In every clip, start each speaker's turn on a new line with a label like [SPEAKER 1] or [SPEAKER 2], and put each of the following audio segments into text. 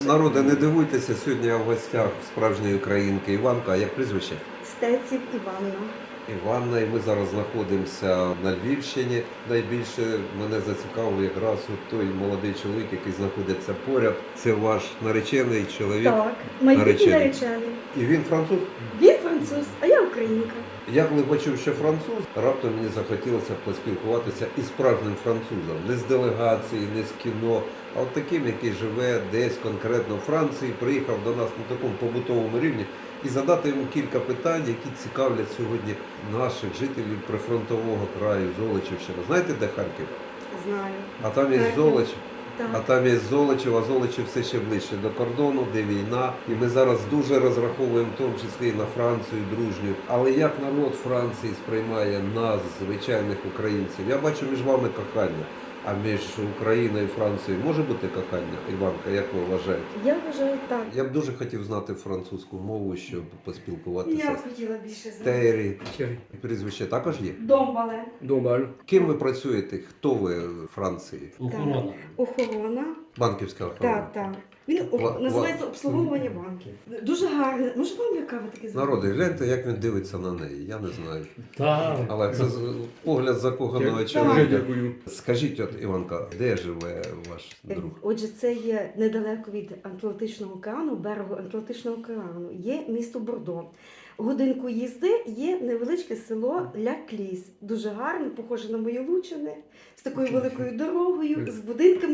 [SPEAKER 1] Народи, не дивуйтеся, сьогодні я в гостях справжньої українки Іванка. А як прізвище?
[SPEAKER 2] Стеців Іванна.
[SPEAKER 1] Іванна, і ми зараз знаходимося на Львівщині. Найбільше мене зацікавив якраз от той молодий чоловік, який знаходиться поряд. Це ваш наречений чоловік.
[SPEAKER 2] Так, майбутній наречений.
[SPEAKER 1] І він француз?
[SPEAKER 2] Він француз, а я українка.
[SPEAKER 1] Я коли почув, що француз, раптом мені захотілося поспілкуватися із справжнім французом. Не з делегації, не з кіно, а от таким, який живе десь конкретно в Франції, приїхав до нас на такому побутовому рівні, і задати йому кілька питань, які цікавлять сьогодні наших жителів прифронтового краю, Золочівщина. Знаєте, де Харків?
[SPEAKER 2] Знаю.
[SPEAKER 1] А там є
[SPEAKER 2] Харків.
[SPEAKER 1] Золочів.
[SPEAKER 2] Так.
[SPEAKER 1] А там є Золочів, а Золочів все ще ближче до кордону, де війна. І ми зараз дуже розраховуємо, в тому числі і на Францію дружню. Але як народ Франції сприймає нас, звичайних українців? Я бачу між вами кохання. А між Україною і Францією може бути кохання, Іванка, як ви вважаєте?
[SPEAKER 2] Я вважаю так.
[SPEAKER 1] Я б дуже хотів знати французьку мову, щоб поспілкуватися
[SPEAKER 2] Я б
[SPEAKER 1] з
[SPEAKER 2] хотіла більше знати.
[SPEAKER 1] Террі. Прізвище також є?
[SPEAKER 2] Домбале.
[SPEAKER 3] Домаль.
[SPEAKER 1] Ким ви працюєте? Хто ви в Франції?
[SPEAKER 3] Охорона.
[SPEAKER 2] Охорона.
[SPEAKER 1] Банківська охорона?
[SPEAKER 2] Так, так. Він
[SPEAKER 1] Ва-
[SPEAKER 2] називається обслуговування банків. дуже гарне. Може вам яка ви таке
[SPEAKER 1] Народи, гляньте, як він дивиться на неї. Я не знаю.
[SPEAKER 3] Так.
[SPEAKER 1] Але це погляд закоханого
[SPEAKER 3] Дуже
[SPEAKER 1] чоловіка.
[SPEAKER 3] дякую.
[SPEAKER 1] Скажіть, от Іванка, де живе ваш друг?
[SPEAKER 2] Отже, це є недалеко від Атлантичного океану, берегу Атлантичного океану. Є місто Бордо. Годинку їзди є невеличке село Ля-Кліс. Дуже гарне, похоже на мої Лучини, з такою великою дорогою, з будинками.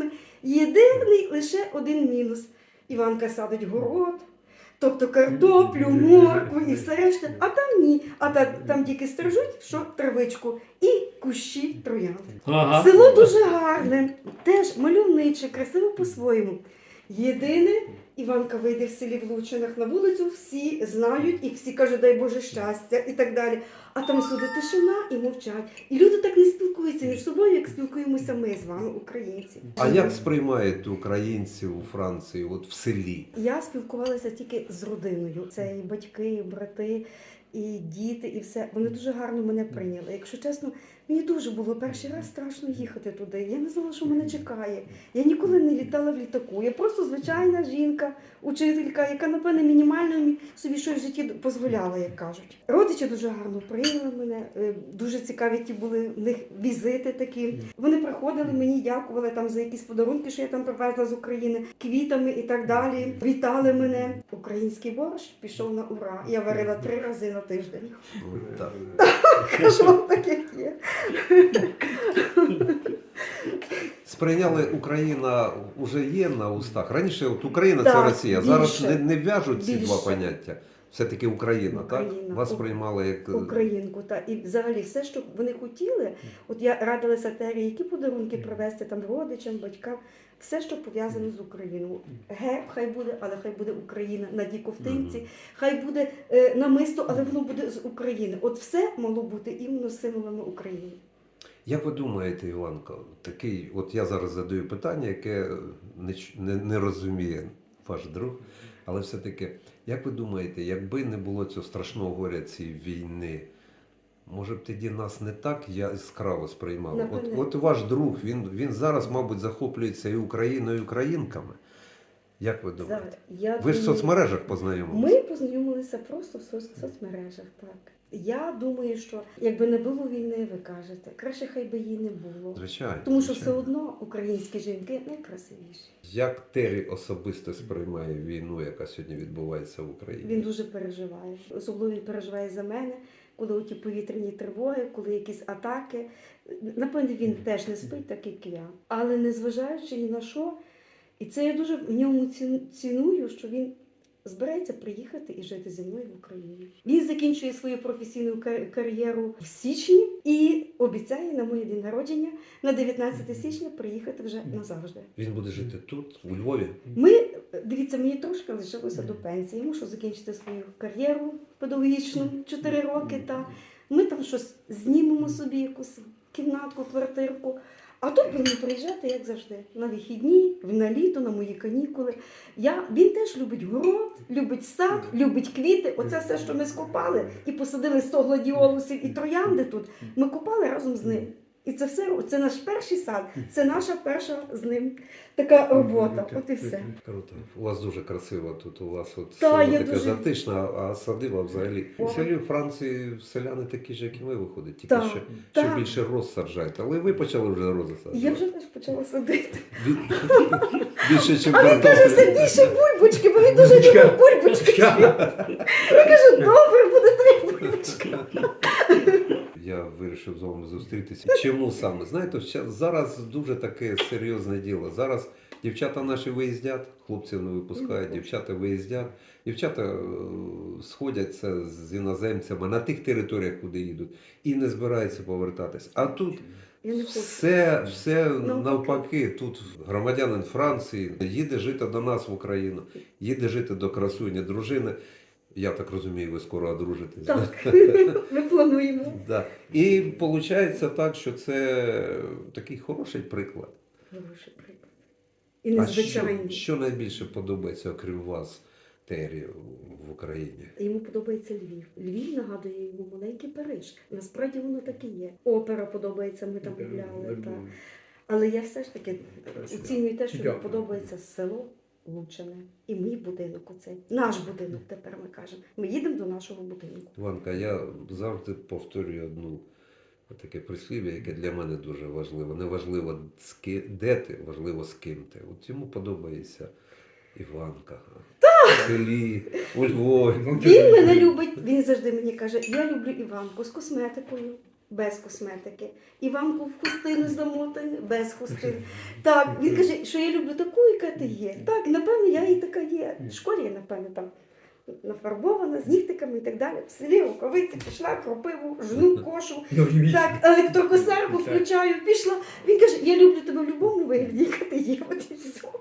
[SPEAKER 2] Єдиний лише один мінус. Іванка садить город, тобто картоплю, моркву і все решта. А там ні. А там тільки стрижуть, що травичку, і кущі троянд.
[SPEAKER 3] Ага.
[SPEAKER 2] Село дуже гарне, теж мальовниче, красиво по-своєму. Єдине, Іванка вийде в селі в Лучинах на вулицю, всі знають і всі кажуть, дай Боже щастя і так далі. А там всюди тишина і мовчать. І люди так не спілкуються між собою, як спілкуємося ми з вами, українці.
[SPEAKER 1] А як сприймають українців у Франції, от в селі?
[SPEAKER 2] Я спілкувалася тільки з родиною. Це і батьки, і брати, і діти, і все. Вони дуже гарно мене прийняли. Якщо чесно, мені дуже було перший раз страшно їхати туди. Я не знала, що мене чекає. Я ніколи не літала в літаку. Я просто звичайна жінка, учителька, яка, напевне, мінімально собі щось в житті дозволяла, як кажуть. Родичі дуже гарно прийняли мене. Дуже цікаві ті були в них візити такі. Вони приходили, мені дякували там за якісь подарунки, що я там привезла з України, квітами і так далі. Вітали мене. Український борщ пішов на ура. Я варила 3 рази на тиждень.
[SPEAKER 1] От так.
[SPEAKER 2] Кажу вам так, як є.
[SPEAKER 1] Сприйняли Україна вже є на устах. Раніше от Україна
[SPEAKER 2] Так,
[SPEAKER 1] це Росія. Зараз
[SPEAKER 2] більше.
[SPEAKER 1] не в'яжуть ці два
[SPEAKER 2] Більше.
[SPEAKER 1] поняття. Все-таки Україна, так?
[SPEAKER 2] Україна.
[SPEAKER 1] Вас сприймали як
[SPEAKER 2] Українку. І взагалі все, що вони хотіли, от я радилася Тері, які подарунки привезти там родичам, батькам, все, що пов'язано з Україною. Герб хай буде, але хай буде Україна на тій ковтинці, хай буде намисто, але воно буде з України. От все мало бути іменно символами України.
[SPEAKER 1] Як ви думаєте, Іванко, такий, от я зараз задаю питання, яке не розуміє ваш друг, але все-таки, як ви думаєте, якби не було цього страшного горя цієї війни, може б тоді нас не так яскраво сприймали? От ваш друг, він зараз, мабуть, захоплюється і Україною, і українками. Як ви думаєте? Ви ж в соцмережах познайомилися?
[SPEAKER 2] Ми познайомилися просто в соцмережах, так. Я думаю, що якби не було війни, ви кажете, краще хай би її не було.
[SPEAKER 1] Звичайно.
[SPEAKER 2] Тому що
[SPEAKER 1] звичайно.
[SPEAKER 2] все одно українські жінки найкрасивіші.
[SPEAKER 1] Як Террі особисто сприймає війну, яка сьогодні відбувається в Україні?
[SPEAKER 2] Він дуже переживає. Особливо він переживає за мене, коли оті повітряні тривоги, коли якісь атаки. Напевне, він теж не спить, так як і я. Але незважаючи ні на що, і це я дуже в ньому ціную, що він збирається приїхати і жити зі мною в Україні. Він закінчує свою професійну кар'єру в січні і обіцяє на моє день народження на 19 січня приїхати вже назавжди.
[SPEAKER 1] Він буде жити тут, у Львові?
[SPEAKER 2] Дивіться, мені трошки лишилося до пенсії. Мушу закінчити свою кар'єру педагогічну 4 роки. Ми там щось знімемо собі, якусь кімнатку, квартирку. А тут будемо приїжджати, як завжди, на вихідні, на літо, на мої канікули. Він теж любить город, любить сад, любить квіти. Оце все, що ми скопали і посадили 100 гладіолусів і троянди тут, ми копали разом з ним. І це все, це наш перший сад, це наша перша з ним така робота. От і все.
[SPEAKER 1] Круто. У вас дуже красиво тут. У вас от
[SPEAKER 2] Та,
[SPEAKER 1] село
[SPEAKER 2] я
[SPEAKER 1] таке
[SPEAKER 2] дуже-
[SPEAKER 1] затишне, а садиба взагалі.
[SPEAKER 2] О.
[SPEAKER 1] У селі Франції селяни такі ж, як і ми виходять, тільки
[SPEAKER 2] Так,
[SPEAKER 1] ще
[SPEAKER 2] так.
[SPEAKER 1] більше роз саджають. Але ви почали вже рози
[SPEAKER 2] І
[SPEAKER 1] саджати.
[SPEAKER 2] я вже теж почала садити.
[SPEAKER 1] Більше, ніж
[SPEAKER 2] А він каже, все більше бульбочки, бо він дуже любить бульбочки. Я кажу, добре, буде 3 бульбочки.
[SPEAKER 1] Я вирішив з вами зустрітися. Чому саме? Знаєте, зараз дуже таке серйозне діло. Зараз дівчата наші виїздять, хлопців не випускають, дівчата виїздять. Дівчата сходяться з іноземцями на тих територіях, куди їдуть, і не збираються повертатись. А тут
[SPEAKER 2] Я не хочу.
[SPEAKER 1] все навпаки. Тут громадянин Франції їде жити до нас в Україну, їде жити до красуні дружини. Я так розумію, ви скоро одружитесь.
[SPEAKER 2] Так, ми плануємо.
[SPEAKER 1] Да. І виходить так, що це такий хороший приклад.
[SPEAKER 2] Хороший приклад. І
[SPEAKER 1] А що,
[SPEAKER 2] незвичайний.
[SPEAKER 1] що найбільше подобається, окрім вас, Тері, в Україні?
[SPEAKER 2] Йому подобається Львів. Львів нагадує йому маленький Париж. Насправді воно так і є. Опера подобається, ми там гуляли. Та. Але я все ж таки оцінюю те, що мені
[SPEAKER 3] Дякую.
[SPEAKER 2] подобається село Лучине. І мій будинок оцей. Наш будинок тепер ми кажемо. Ми їдемо до нашого будинку.
[SPEAKER 1] Іванка, я завжди повторюю одну таке прислів'я, яке для мене дуже важливо. Не важливо, де ти, важливо, з ким ти. От йому подобається Іванка. В селі, у Львові.
[SPEAKER 2] Він мене любить, він завжди мені каже, я люблю Іванку з косметикою, без косметики. Іванку в хустину замотану, без хустини. Так, він каже, що я люблю таку, яка ти є. Так, напевно, я і така є. В школі я, напевно, там нафарбована, з нігтиками і так далі. В селі рукавиці пішла, кропиву, жну, кошу. Так, електрокосарку включаю, пішла. Він каже, я люблю тебе в будь-якому вигляді, яка ти є. От і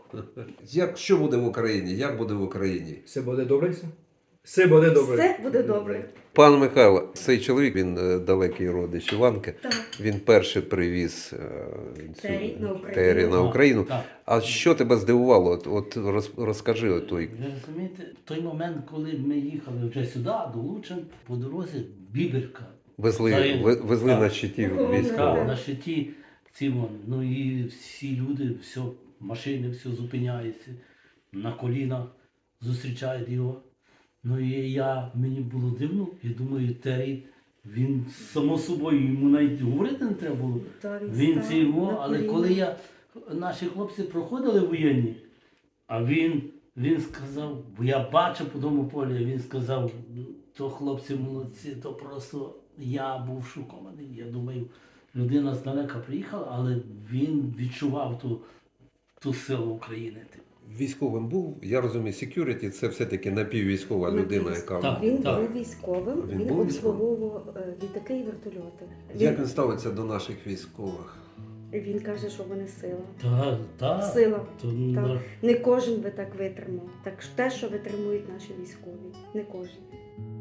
[SPEAKER 2] все.
[SPEAKER 1] Що буде в Україні? Як буде в Україні?
[SPEAKER 3] Все буде добре? Все буде добре.
[SPEAKER 2] Все буде добре.
[SPEAKER 1] Пан Михайло, цей чоловік, він далекий родич Іванки.
[SPEAKER 2] Так.
[SPEAKER 1] Він перший привіз
[SPEAKER 2] Тері на Україну.
[SPEAKER 1] Тері на Україну.
[SPEAKER 4] Так.
[SPEAKER 1] А що тебе здивувало? От розкажи той.
[SPEAKER 4] Ви розумієте, в той момент, коли ми їхали вже сюди, до Лучин, по дорозі Біберка.
[SPEAKER 1] Везли
[SPEAKER 4] Так.
[SPEAKER 1] на щиті
[SPEAKER 2] Охорона,
[SPEAKER 1] військових.
[SPEAKER 4] Так, на щиті ці ну і всі люди, все, машини, все зупиняється, на коліна зустрічають його. Ну і мені було дивно, я думаю, Террі, він само собою, йому навіть говорити не треба було.
[SPEAKER 2] Та
[SPEAKER 4] Він
[SPEAKER 2] став
[SPEAKER 4] це його,
[SPEAKER 2] на
[SPEAKER 4] але
[SPEAKER 2] коліна.
[SPEAKER 4] коли наші хлопці проходили воєнні, а він сказав, бо я бачив по тому полі, він сказав, то хлопці молодці, то просто я був шокований. Я думаю, людина здалека приїхала, але він відчував ту силу України.
[SPEAKER 1] Військовим був, я розумію, security – це все-таки напіввійськова людина, яка...
[SPEAKER 4] Так.
[SPEAKER 2] Він був військовим,
[SPEAKER 1] Він
[SPEAKER 2] він
[SPEAKER 1] був
[SPEAKER 2] обслуговував літаки і вертольоти.
[SPEAKER 1] Як він ставиться до наших військових?
[SPEAKER 2] Він каже, що вони сила.
[SPEAKER 4] Так,
[SPEAKER 2] Сила.
[SPEAKER 4] То,
[SPEAKER 2] Не кожен би так витримав. Так те, що витримують наші військові. Не кожен.